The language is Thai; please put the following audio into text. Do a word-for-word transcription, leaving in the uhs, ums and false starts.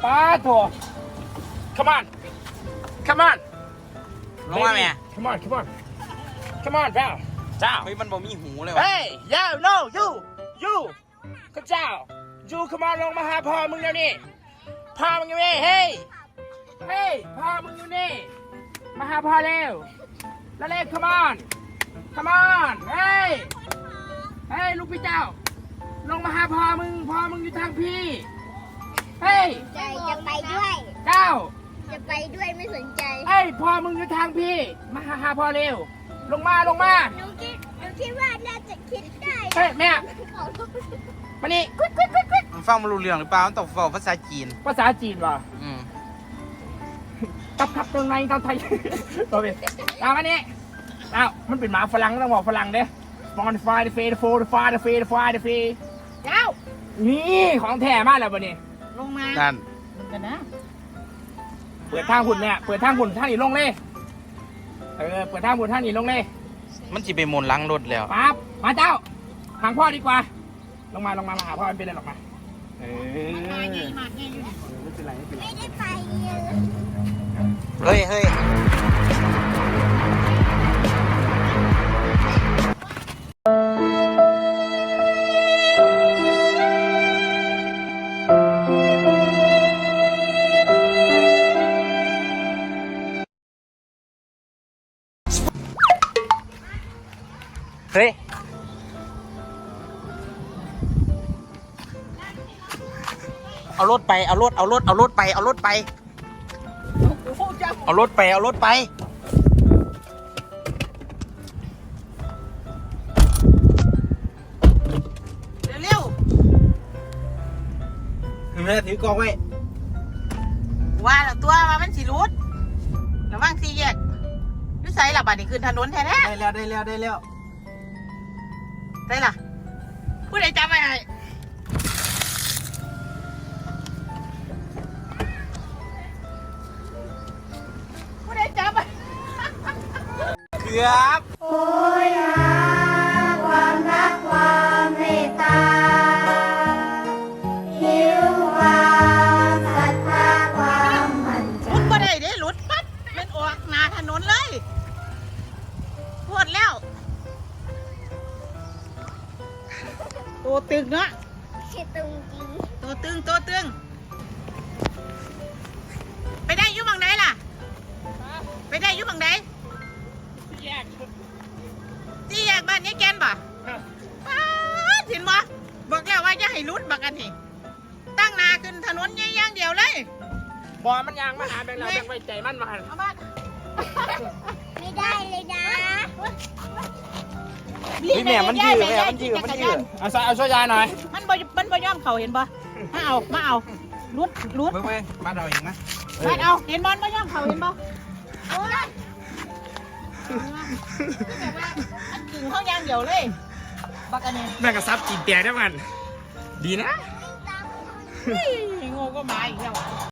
ป้าโถ come on come on ลงมาแม่ come on come on come on เจ้าเจ้าเฮ้ยมันบ่มีหูเลยวะเฮ้ย yo no you you ข้าเจ้า you come on ลงมาหาพ่อมึงเดี๋ยวนี้พ่อมึงอยู่นี่เฮ้ยเฮ้ยพ่อมึงอยู่นี่มาหาพ่อเร็วแล้วเร็ว come on come on เฮ้ยเฮ้ยลูกพี่เจ้าลงมาหาพ่อมึงพ่อมึงอยู่ทางพี่เฮ้ยใจจะไปด้วยเจ้าจะไปด้วยไม่สนใจเฮ้ยพ่อมึงอยู่ทางพี่มาหาหาพ่อเร็วลงมาลงมาหนูคิดหนูคิดว่าน่าจะคิดได้เฮ้ยแม่มานี่กุ๊ดกุ๊ดกุ๊ดกุ๊ดมันฟังมันรู้เรื่องหรือเปล่ามันต้องฟังภาษาจีนภาษาจีนว่ะอืมกับขับตรงไหนตอนไทยตัวเป็นตามอันนี้อ้าวมันเป็นหมาฝรั่งต้องบอกฝรั่งเด้ฟอนไฟเดฟเดโฟเดฟาเดฟเดฟาเดฟเจ้านี่ของแท้มากแล้วบ่เนี่ยลงมานั่นกันนะเปิดทางหุ่นเนี่ยเปิดทางหุ่นท่านนี่ลงเลยเออเปิดทางหุ่นท่านนี่ลงเลยมันจะไปมนต์ล้างรถแล้วปั๊บมาเจ้าหางพ่อดีกว่าลงมาลงมามาหาพ่อมันเป็นอะไรหรอกมาเออมาไงมาไงอยู่นี่ไม่เป็นไรไม่เป็นไรไม่ได้ไปเลยเฮ้ยเฮ้ย เฮ้ย เอารถไป เอารถ เอารถ เอารถไป เอารถไป เอารถไป เอารถไปเร็วแม่ถือกองไว้ๆว่าแล้วตัวว่ามันสิรุดระวังสี่แยกนิสัยล่ะบัดนี้ขึ้นถนนแท้ได้แล้ว ได้แล้ว ได้แล้วๆได้ล่ะผู้ใดจำไว้ให้ผู้ใดจำไว้เกือบโอ้ยหาความรักความเมตตาหิวความศรัทธาความมั่นใจรุดบ่ได้เด้รุดปั๊บเป็นออกหน้าถนนเลยปวดแล้วตัวตึงเนาะคิดตรงจริงตัวตึงตัวตึงไปได้อยุ่บังไหนล่ะ ไปได้อยุ่บังไหนแยกที่แยกบ้านนี้แกนบ่ป้าดเห็นบ่บอกแล้วว่าจะให้รุดบักกันนี่ตั้งหนาขึ้นถนนอย่างเดียวเลยบอมันยางมาหาแบงค์เราแบงค์ไว้ใจมันมาหันเอาบ้านไม่ได้เลยนะนี่แม่มันยืดแม่มันยืดมันยืดเอาซะเอาช่วยยายหน่อยมันบ่มันบ่ยอมเขาเห็นบ่มาเอามาเอารุดรุดเว้ยเว้ยมาเราเองนะมาเอาเห็นบ่บ่ยอมเขาเห็นบ่โอ้ยแบบว่าอันกึ่งเขาอย่างเดียวเลยบักอันนี้แม่งกระซับจีนแตกได้มัน ดีนะเฮ้ยโง่ก็มาอีกแล้ว